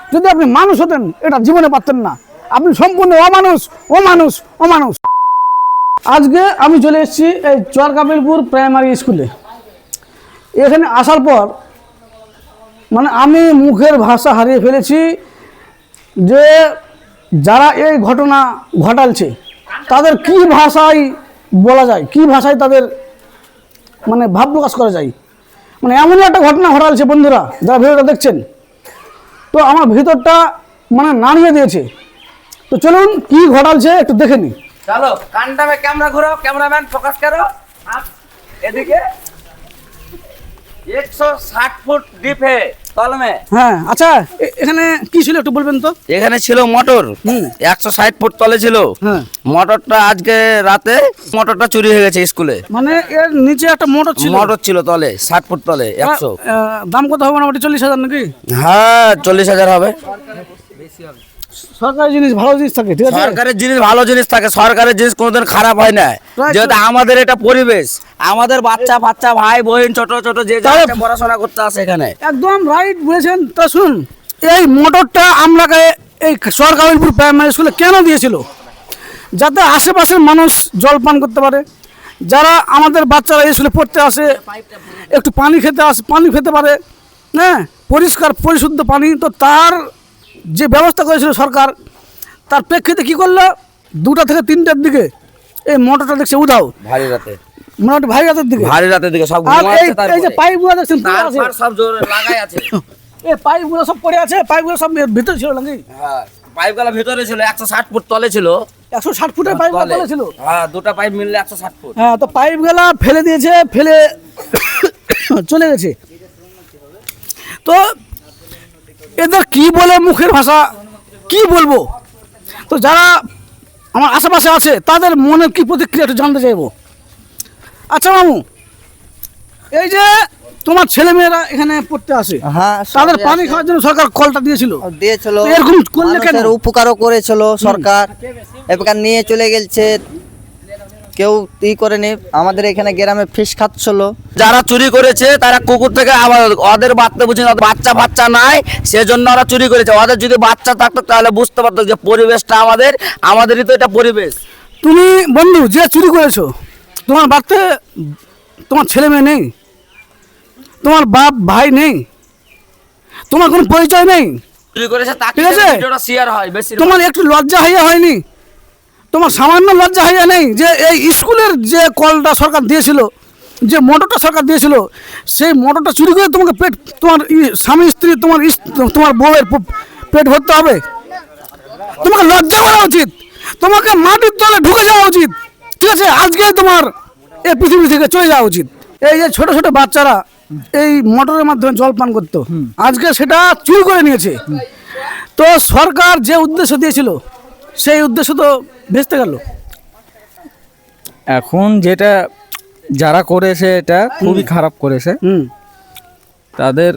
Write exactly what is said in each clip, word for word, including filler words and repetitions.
যদি আপনি মানুষ হতেন এটা জীবনে পারতেন না। আপনি সম্পূর্ণ অমানুষ অমানুষ অমানুষ। আজকে আমি চলে এসেছি এই চরকাপিলপুর প্রাইমারি স্কুলে। এখানে আসার পর মানে আমি মুখের ভাষা হারিয়ে ফেলেছি যে যারা এই ঘটনা ঘটালছে তাদের কি ভাষায় বলা যায়, কি ভাষায় তাদের মানে ভাব প্রকাশ করা যায়। মানে এমনই একটা ঘটনা ঘটালছে বন্ধুরা যারা ভিডিওটা দেখছেন, তো আমার ভিতরটা মানে নাড়িয়ে দিয়েছে। তো চলুন কি ঘটালছে একটু দেখে নিই। चलो कांटा में कैमरा घुराओ, कैमरामैन फोकस करो आप এদিকে একশো ষাট ফুট ডিপ है तल में। হ্যাঁ আচ্ছা, এ- এখানে কি ছিল একটু বলবেন তো? এখানে ছিল মোটর হুম। একশো ষাট ফুট তলে ছিল। হ্যাঁ। মোটরটা আজকে রাতে মোটরটা চুরি হয়ে গেছে স্কুলে। মানে এর নিচে একটা মোটর ছিল। মোটর ছিল তলে ষাট ফুট তলে একশো। আহ, দাম কত হবে মোটামুটি চল্লিশ হাজার নাকি? হ্যাঁ চল্লিশ হাজার হবে। সরকারি জিনিস ভালো জিনিস থাকে, ঠিক আছে? সরকারের জিনিস ভালো জিনিস থাকে, সরকারের জিনিস কোনোদিন খারাপ হয় না। Right. যেহেতু আমাদের এটা পরিবেশ, আমাদের বাচ্চা বাচ্চা ভাই বোন ছোট ছোট যে তাহলে- যাচ্ছে পড়াশোনা করতে আসে এখানে। একদম রাইট বলেছেন। তা শুন, এই মোটরটা আমরাকে এই সরকারিপুর প্রাইমারি স্কুলে কেন দিয়েছিল? যাতে আশেপাশের মানুষ জল পান করতে পারে, যারা আমাদের বাচ্চারা এই স্কুলে পড়তে আসে একটু পানি খেতে আসে পানি খেতে পারে, হ্যাঁ, পরিষ্কার পরিশুদ্ধ পানি। তো তার যে ব্যবস্থা করেছিল সরকার, তার প্রেক্ষিতে কী করলো, দুটা থেকে তিনটার দিকে এই মোটরটা দেখছে উধাও, ভারী রাতে মোটামুটি ভাই রাতের দিকে। ভারী রাতের দিকে সব আর ঘুমাচ্ছে, এই এই যে তারপরে পাইপগুলো দেখছেন পড়ে আছে, তারপর সব জোরে লাগাই আছে। এই পাইপগুলো সব পড়ে আছে, পাইপগুলো সব এর ভিতরে ছিল নাকি? হ্যাঁ পাইপগুলো ভিতরে ছিল, একশো ষাট ফুট তলে ছিল। একশো ষাট ফুটের পাইপ তলে। তলে ছিল। হ্যাঁ দুটো পাইপ মিললে একশো ষাট ফুট। হ্যাঁ, তো পাইপগুলা ফেলে দিয়েছে, ফেলে চলে গেছে। তো এদের কি বলে মুখের ভাষা কি বলবো? তো যারা আমার আশেপাশে আছে তাদের মনের কি প্রতিক্রিয়া একটু জানতে চাইবো। আচ্ছা মামু, এই যে তোমার ছেলেমেয়েরা এখানে পড়তে আসে, হ্যাঁ তাদের পানি খাওয়ার জন্য সরকার কলটা দিয়েছিল, দিয়েছিল, তো এরকম করলে কেন? মানুষের উপকারও করেছিল সরকার। এবার নিয়ে চলে গেছে, কেউ ই করেনি। আমাদের এখানে গ্রামে ফিস খাচ্ছিল। যারা চুরি করেছে তারা কুকুর থেকে আবার ওদের বাচ্চা বুঝি না, বাচ্চা বাচ্চা নাই সেজন্য ওরা চুরি করেছে। ওদের যদি বাচ্চা থাকতো তাহলে বুঝতে পারতো যে পরিবেশটা আমাদের, আমাদেরই তো এটা পরিবেশ। তুমি বন্ধু যে চুরি করেছো, তোমার বাড়িতে তোমার ছেলে মেয়ে নেই, তোমার বাপ ভাই নেই, তোমার কোনো পরিচয় নেই, চুরি করেছে তাকে ঠিক আছে? ভিডিওটা শেয়ার হয় বেশি। তোমার একটু লজ্জা হইয়া হয়নি? তোমার সামান্য লজ্জা হইয়া নেই যে এই স্কুলের যে কলটা সরকার দিয়েছিল, যে মোটরটা সরকার দিয়েছিল, সেই মোটরটা চুরি করে তোমাকে পেট, তোমার ই- স্বামী স্ত্রী, তোমার ইস- তোমার বউয়ের প- পেট ভরতে হবে? তোমাকে লজ্জা করা উচিত, তোমাকে মাটির তলে ঢুকে যাওয়া উচিত, ঠিক আছে? আজকে তোমার এই পৃথিবী থেকে চলে যাওয়া উচিত। এই যে ছোট ছোট বাচ্চারা এই মোটরের মাধ্যমে জল পান করতো, আজকে সেটা চুরি করে নিয়েছে। তো সরকার যে উদ্দেশ্য দিয়েছিল সেই উদ্দেশ্য তো ভেস্তে গেল। এখন যেটা যারা করেছে এটা খুবই খারাপ করেছে, হুম তাদের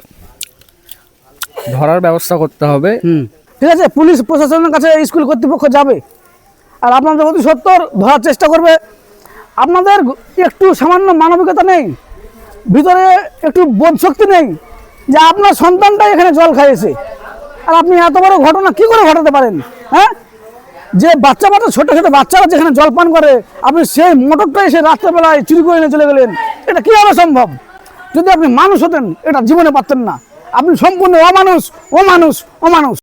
ধরার ব্যবস্থা করতে হবে। হুম ঠিক আছে, পুলিশ প্রশাসনের কাছে স্কুল কর্তৃপক্ষ যাবে আর আপনাদের অতি সত্তর ধরার চেষ্টা করবে। আপনাদের একটু সামান্য মানবিকতা নেই, ভিতরে একটু বোধ শক্তি নেই যে আপনার সন্তানটাই এখানে জল খাইয়েছে, আর আপনি এত বড় ঘটনা কি করে ঘটাতে পারেন? হ্যাঁ, যে বাচ্চা বাচ্চা ছোটো ছোটো বাচ্চারা যেখানে জল পান করে, আপনি সেই মোটরটা এসে রাত্রেবেলায় চুরি করে নিয়ে চলে গেলেন, এটা কীভাবে সম্ভব? যদি আপনি মানুষ হতেন এটা জীবনে পারতেন না। আপনি সম্পূর্ণ অমানুষ অমানুষ অমানুষ।